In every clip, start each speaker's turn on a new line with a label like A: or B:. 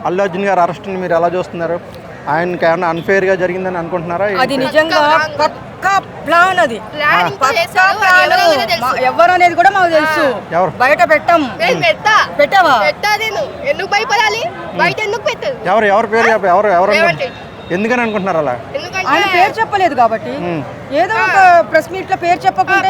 A: అల్లు అర్జున్ గారు అరెస్ట్ని మీరు ఎలా చూస్తున్నారు? ఆయనకి ఏమన్నా అన్ఫేర్గా జరిగిందని అనుకుంటున్నారా?
B: అది నిజంగా పక్కా ప్లాన్, అది పక్కా ప్లాన్. ఎవరు అనేది కూడా మాకు తెలుసు, బయట పెట్టాం. పెట్టావా?
C: ఎందుకు భయపడాలి? బయట ఎందుకు పెట్టదు?
A: ఎవరు పేరు ఎవరు ఎందుకని అనుకుంటున్నారు అలా?
B: ఆయన పేరు చెప్పలేదు కాబట్టి ఏదో ఒక ప్రెస్ మీట్ లో పేరు చెప్పకుండా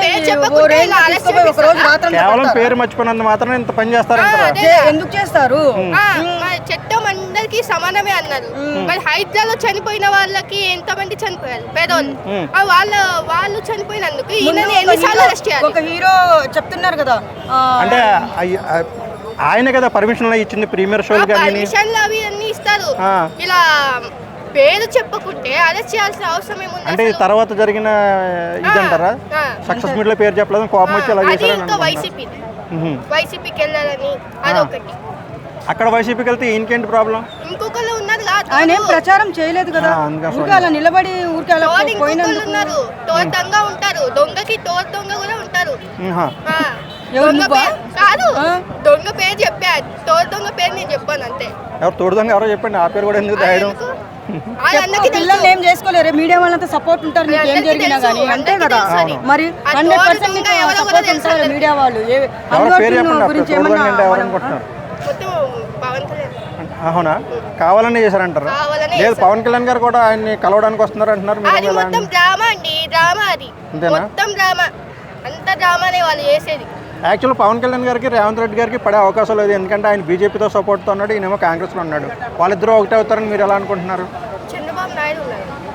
A: కేవలం పేరు మర్చిపోయినంత మాత్రం ఇంత పని చేస్తారంటారా?
B: ఎందుకు చేస్తారు?
C: చట్టం అందరికి సమానమే అన్నారు. మరి హైదరాబాద్ లో చనిపోయిన వాళ్ళకి ఎంతమంది చనిపోయారు పేదోళ్ళు, వాళ్ళు చనిపోయినందుకు ఎన్నిసార్లు అరెస్ట్ చేయాలి?
B: ఒక హీరో చెప్తున్నారు కదా,
A: అంటే ఆయన కదా పర్మిషన్ ఇచ్చింది ప్రీమియర్ షోలు
C: పర్మిషన్లు అవి అన్ని ఇస్తారు. ఇలా పేరు చెప్పకుంటే అరెస్ట్ చేయాల్సిన అవసరం ఏముంది?
A: అంటే తర్వాత జరిగిన ఇదంటారా? సక్సెస్ మీట్ లో పేరు చెప్పలేదు, కోపం వచ్చి అలా చేశారు.
C: ఇంకా వైసీపీకి వెళ్ళాలని అదొకటి.
A: అక్కడ వైసీపీకి వెళ్తే ఇంకేంటి ప్రాబ్లం?
C: ఇంకొకళ్ళు ఉన్నారు,
B: ఆయన ఏం ప్రచారం చేయలేదు కదా, ఊరికే అలా నిలబడి ఊరికే అలా
C: ఉన్నారు. తోడు దొంగ ఉంటారు, దొంగకి తోడు దొంగ కూడా ఉంటారు. కాదు, దొంగ పేరు చెప్పా, తోడు దొంగ పేరు నేను చెప్పాను అంతే.
A: ఎవరు తోడు దొంగ ఎవరో చెప్పండి, ఆ పేరు కూడా ఎందుకు దాయడం?
B: పిల్లలు ఏం చేసుకోలేరు, మీడియా వాళ్ళంతా సపోర్ట్ ఉంటారు మీకు ఏం జరిగినా కానీ, అంతే కదా. మరి 100% సపోర్ట్ ఉంటారు మీడియా వాళ్ళు. గురించి
A: అవునా? కావాలని చేశారంటారు? లేదు, పవన్ కళ్యాణ్ గారు కూడా ఆయన్ని కలవడానికి వస్తున్నారు అంటున్నారు. యాక్చువల్ పవన్ కళ్యాణ్ గారికి రేవంత్ రెడ్డి గారికి పడే అవకాశం లేదు, ఎందుకంటే ఆయన బీజేపీతో సపోర్ట్తో ఉన్నాడు, ఈయనేమో కాంగ్రెస్లో ఉన్నాడు. వాళ్ళిద్దరూ ఒకటే అవుతారని మీరు ఎలా అనుకుంటున్నారు?
C: చంద్రబాబు నాయుడు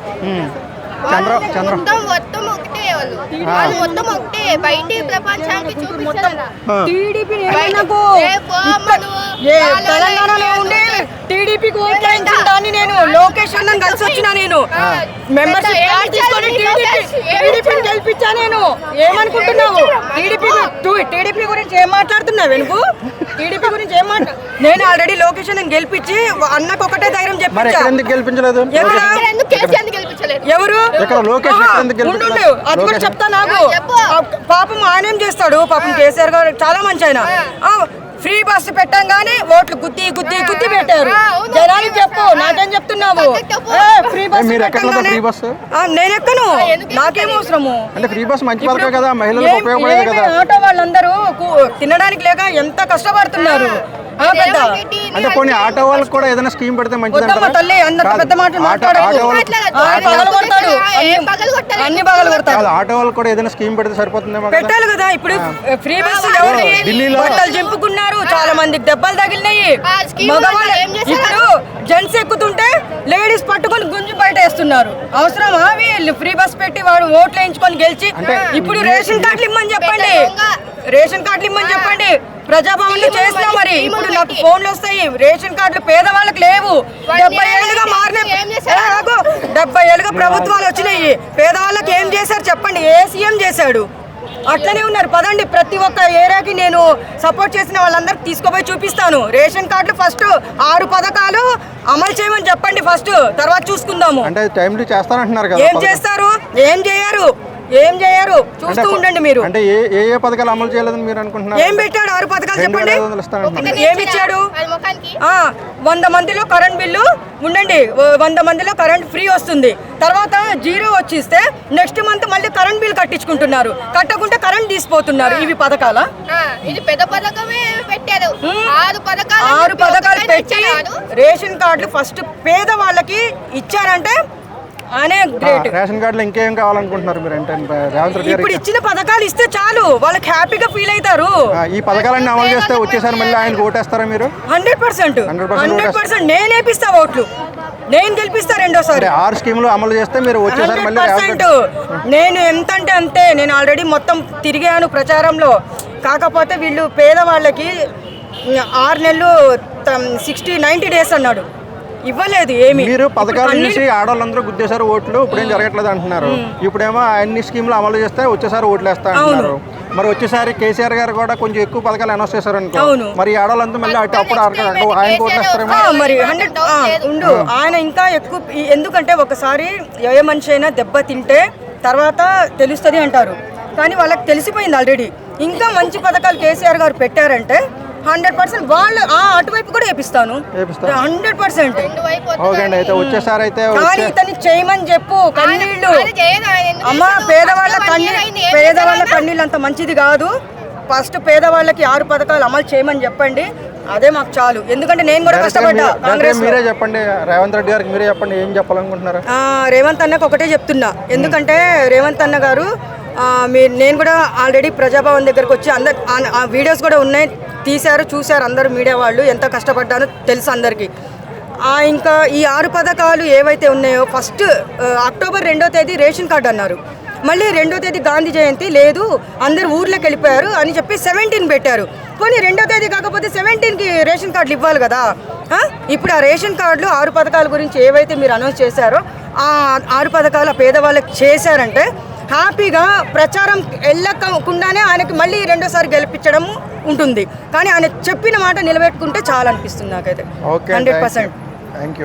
B: తెలంగాణలో ఉండే టీడీపీకి ఓట్లేయించిన దాన్ని నేను లోకేష్ అన్నని కలిసి వచ్చినా, నేను మెంబర్షిప్ కార్డు తీసుకొని టీడీపీని గెలిపించా. నేను ఏమనుకుంటున్నావు? టీడీపీ గురించి ఏం మాట్లాడుతున్నావు? వెనుకు టీడీపీ గురించి ఏం నేను ఆల్రెడీ లోకేష్ అన్నని గెలిపించి అన్నకు ఒకటే ధైర్యం చెప్పాను.
A: ఎందుకు గెలిపించలేదు?
B: ఎవరు అది కూడా చెప్తా నాకు. పాపం ఆయన ఏం చేస్తాడు? పాపం కేసీఆర్ గారు చాలా మంచి ఆయన. ఫ్రీ బస్సు పెట్టంగానే ఓట్లు గుద్ది గుద్ది గుద్ది పెట్టారు. జనానికి చెప్పు, నాకేం చెప్తున్నావు? ఫ్రీ బస్సు నేను ఎక్కను, నాకేం అవసరము? ఆటో వాళ్ళందరూ తినడానికి లేక ఎంత కష్టపడుతున్నారు.
A: అంటే కొన్ని ఆటో వాళ్ళకి కూడా ఏదైనా స్కీమ్ పెడితే మంచిది.
B: తల్లి అంత పెద్ద మాటలు మాట్లాడాడు, అన్ని పగలు కొడతాడు.
A: ఆటో వాళ్ళకి కూడా ఏదైనా స్కీమ్ పెడితే సరిపోతుందేమో.
B: పెట్టాలి కదా. ఇప్పుడు ఫ్రీ బస్సు బట్టలు చింపుకున్నారు, చాలా మందికి దెబ్బలు తగిలినాయి. మగవాళ్ళు ఇప్పుడు జెంట్స్ ఎక్కుతుంటే లేడీస్ పట్టుకొని గుంజి బయట వేస్తున్నారు. అవసరమా? వీళ్ళు ఫ్రీ బస్ పెట్టి వాడు ఓట్లు వేయించుకొని గెలిచి ఇప్పుడు రేషన్ కార్డులు ఇమ్మని చెప్పండి, రేషన్ కార్డులు ఇమ్మని చెప్పండి. ప్రజాభవన్ లో చేసినా మరి ఇప్పుడు నాకు ఫోన్లు వస్తాయి. రేషన్ కార్డులు పేదవాళ్ళకి లేవు. 70 ఏళ్ళుగా మారిన 70 ఏళ్ళుగా ప్రభుత్వాలు వచ్చినాయి. పేదవాళ్ళకి ఏం చేశారు చెప్పండి? ఏ సీఎం చేశాడు? అట్లనే ఉన్నారు. పదండి, ప్రతి ఒక్క ఏరియాకి నేను సపోర్ట్ చేసిన వాళ్ళందరికి తీసుకుపోయి చూపిస్తాను. రేషన్ కార్డులు ఫస్ట్ 6 పథకాలు అమలు చేయమని చెప్పండి ఫస్ట్, తర్వాత చూసుకుందాము. ఏం చేస్తారు? ఏం చేయరు, ఏం చేయరు. చూస్తూ ఉండండి మీరు.
A: అంటే ఏ పథకాలు అమలు చేయలేదని మీరు అనుకుంటున్నారు?
B: ఏం పెట్టాడు? 6 పథకాలు చెప్పండి. ఏమి ఇచ్చాడు? 100 మందిలో కరెంట్ బిల్లు ఉండండి, 100 మందిలో కరెంట్ ఫ్రీ వస్తుంది. తర్వాత 0 వచ్చిస్తే నెక్స్ట్ మంత్ మళ్ళీ కరెంట్ బిల్ కట్టించుకుంటున్నారు. కట్టకుంటే కరెంట్ తీసిపోతున్నారు. ఇవి పథకాలా?
C: ఇది పెద్ద పథకమే పెట్టారు.
B: 6 పథకాలు పెట్టి రేషన్ కార్డులు ఫస్ట్ పేద వాళ్ళకి ఇచ్చారంటే
A: రేషన్ కార్డులో ఇంకేం కావాలనుకుంటున్నారు మీరు? అంటే
B: ఇప్పుడు ఇచ్చిన పథకాలు ఇస్తే చాలు, వాళ్ళకి హ్యాపీగా ఫీల్ అవుతారు.
A: ఈ పథకాలన్నీ అమలు చేస్తే వచ్చేసారి మళ్ళీ ఆయనకు ఓటేస్తారా మీరు?
B: 100% నేను వేపిస్తా ఓట్లు, నేను గెలిపిస్తా రెండోసారి.
A: 6 స్కీములు అమలు చేస్తే మీరు వచ్చేసారి మళ్ళీ
B: 100%. నేను ఎంత అంటే అంతే. నేను ఆల్రెడీ మొత్తం తిరిగాను ప్రచారంలో. కాకపోతే వీళ్ళు పేదవాళ్ళకి 6 నెలలు 60-90 డేస్ అన్నాడు, ఇవ్వలేదు ఏమి.
A: మీరు పథకాలు చూసి ఆడవాళ్ళందరూ గుద్దేశారు ఓట్లు, ఇప్పుడేం జరగట్లేదు అంటున్నారు. ఇప్పుడేమో అన్ని స్కీములు అమలు చేస్తే వచ్చేసారి ఓట్లు వేస్తా అంటున్నారు. మరి వచ్చేసారి కేసీఆర్ గారు కూడా కొంచెం ఎక్కువ పథకాలు అనౌన్స్ చేశారు అనుకో, మరి ఆడవాళ్ళంతా మళ్ళీ అప్పుడు ఆయన ఓట్లు వేస్తారేమో.
B: మరి 100 ఉండు, ఆయన ఇంకా ఎక్కువ. ఎందుకంటే ఒకసారి ఏ మనిషి అయినా దెబ్బ తింటే తర్వాత తెలుస్తుంది అంటారు, కానీ వాళ్ళకి తెలిసిపోయింది ఆల్రెడీ. ఇంకా మంచి పథకాలు కేసీఆర్ గారు పెట్టారంటే 100% వాళ్ళు అటువైపు కూడా వేపిస్తాను
A: వేపిస్తారు.
B: 100%.
C: రెండు వైపు
A: ఓకే అండి, అయితే వచ్చేసారి అయితే
B: కానీ ఇతన్ని చేయమని చెప్పు. కన్నీళ్ళు
C: ఆయన చేయదు, ఆయన ఎందుకు
B: అమ్మా,
C: చేస్తాడు?
B: పేదవాళ్ళ
C: ఫస్ట్ 1 year అయింది, ఏం
B: పేదవాళ్ళ
C: చేశాడు ఆయన?
B: కన్నీళ్ళు అంత మంచిది కాదు. ఫస్ట్ పేదవాళ్ళకి 6 పథకాలు అమలు చేయమని చెప్పండి, అదే మాకు చాలు. ఎందుకంటే నేను కూడా కష్టపడ్డా కాంగ్రెస్.
A: మీరే చెప్పండి, రేవంత్ రెడ్డి గారికి మీరే చెప్పండి, ఏం చెప్పాలనుకుంటున్నారు?
B: రేవంత్ అన్నకు ఒకటే చెప్తున్నా. ఎందుకంటే రేవంత్ అన్న గారు నేను కూడా ఆల్రెడీ ప్రజాభవన్ దగ్గరకు వచ్చి ఆ వీడియోస్ కూడా ఉన్నాయి, తీశారు, చూశారు అందరూ మీడియా వాళ్ళు. ఎంత కష్టపడ్డానో తెలుసు అందరికీ. ఇంకా ఈ 6 పథకాలు ఏవైతే ఉన్నాయో, ఫస్ట్ అక్టోబర్ 2వ తేదీ రేషన్ కార్డు అన్నారు, మళ్ళీ 2వ తేదీ గాంధీ జయంతి లేదు, అందరు ఊర్లోకి వెళ్ళిపోయారు అని చెప్పి 17 పెట్టారు. పోనీ 2వ తేదీ కాకపోతే 17కి రేషన్ కార్డులు ఇవ్వాలి కదా. ఇప్పుడు ఆ రేషన్ కార్డులు 6 పథకాల గురించి ఏవైతే మీరు అనౌన్స్ చేశారో ఆ 6 పథకాలు పేదవాళ్ళకి చేశారంటే హ్యాపీగా ప్రచారం వెళ్ళకుండానే ఆయనకి మళ్ళీ 2వసారి గెలిపించడం ఉంటుంది. కానీ ఆయన చెప్పిన మాట నిలబెట్టుకుంటే చాలా అనిపిస్తుంది నాకైతే. 100%.
A: Thank you.